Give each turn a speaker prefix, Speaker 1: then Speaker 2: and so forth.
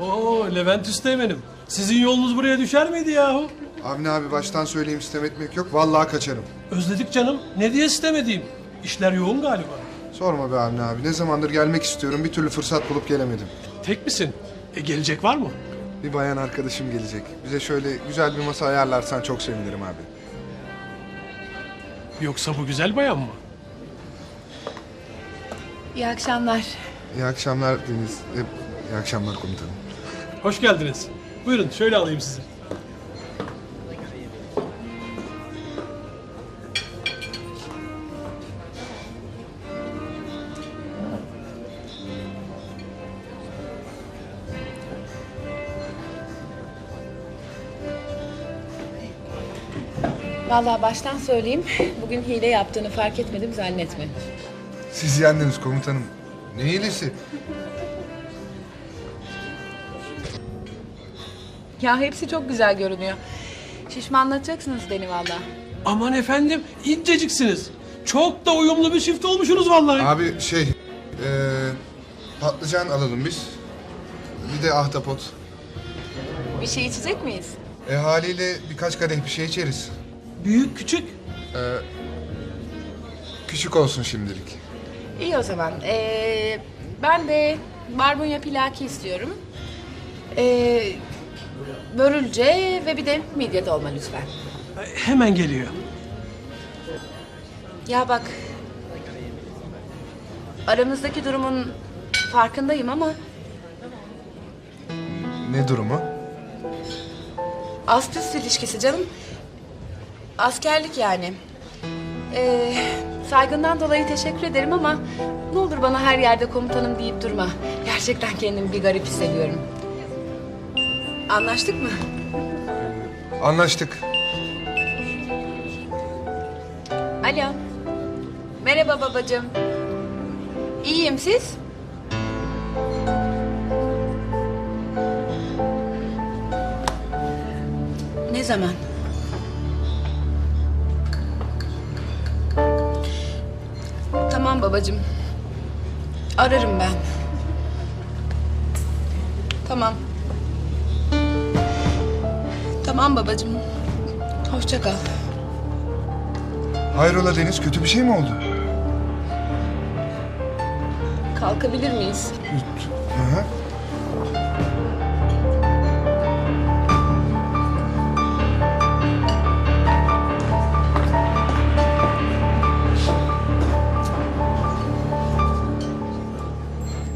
Speaker 1: Oo Levent Üsteğmen'im. Sizin yolunuz buraya düşer miydi yahu?
Speaker 2: Avni abi baştan söyleyeyim, istem etmek yok. Vallahi kaçarım.
Speaker 1: Özledik canım. Ne diye istemediğim? İşler yoğun galiba.
Speaker 2: Sorma be Avni abi. Ne zamandır gelmek istiyorum. Bir türlü fırsat bulup gelemedim.
Speaker 1: Tek misin? Gelecek var mı?
Speaker 2: Bir bayan arkadaşım gelecek. Bize şöyle güzel bir masa ayarlarsan çok sevinirim abi.
Speaker 1: Yoksa bu güzel bayan mı?
Speaker 3: İyi akşamlar.
Speaker 2: İyi akşamlar Deniz. İyi akşamlar komutanım.
Speaker 1: Hoş geldiniz. Buyurun şöyle alayım sizi.
Speaker 3: Vallahi baştan söyleyeyim, bugün hile yaptığını fark etmedim zannetme.
Speaker 2: Siz yendiniz komutanım. Ne iyilisi?
Speaker 3: Ya hepsi çok güzel görünüyor. Şişmanlatacaksınız beni vallahi.
Speaker 1: Aman efendim inceciksiniz. Çok da uyumlu bir çift olmuşsunuz vallahi.
Speaker 2: Abi patlıcan alalım biz. Bir de ahtapot.
Speaker 3: Bir şey içecek miyiz?
Speaker 2: Haliyle birkaç kadeh bir şey içeriz.
Speaker 1: Büyük küçük.
Speaker 2: Küçük olsun şimdilik.
Speaker 3: İyi o zaman. Ben de barbunya pilaki istiyorum. Börülce ve bir de midye dolma lütfen.
Speaker 1: Hemen geliyor.
Speaker 3: Ya bak, aramızdaki durumun farkındayım ama
Speaker 2: Ne durumu?
Speaker 3: ast üst ilişkisi canım. Askerlik yani. Saygından dolayı teşekkür ederim ama ne olur bana her yerde komutanım deyip durma. Gerçekten kendimi bir garip hissediyorum. Anlaştık mı?
Speaker 2: Anlaştık.
Speaker 3: Alo. Merhaba babacığım. İyiyim, siz? Ne zaman? Tamam babacığım. Ararım ben. Tamam. Tamam babacığım. Hoşça kal.
Speaker 2: Hayrola Deniz, kötü bir şey mi oldu?
Speaker 3: Kalkabilir miyiz?
Speaker 2: Hı hı.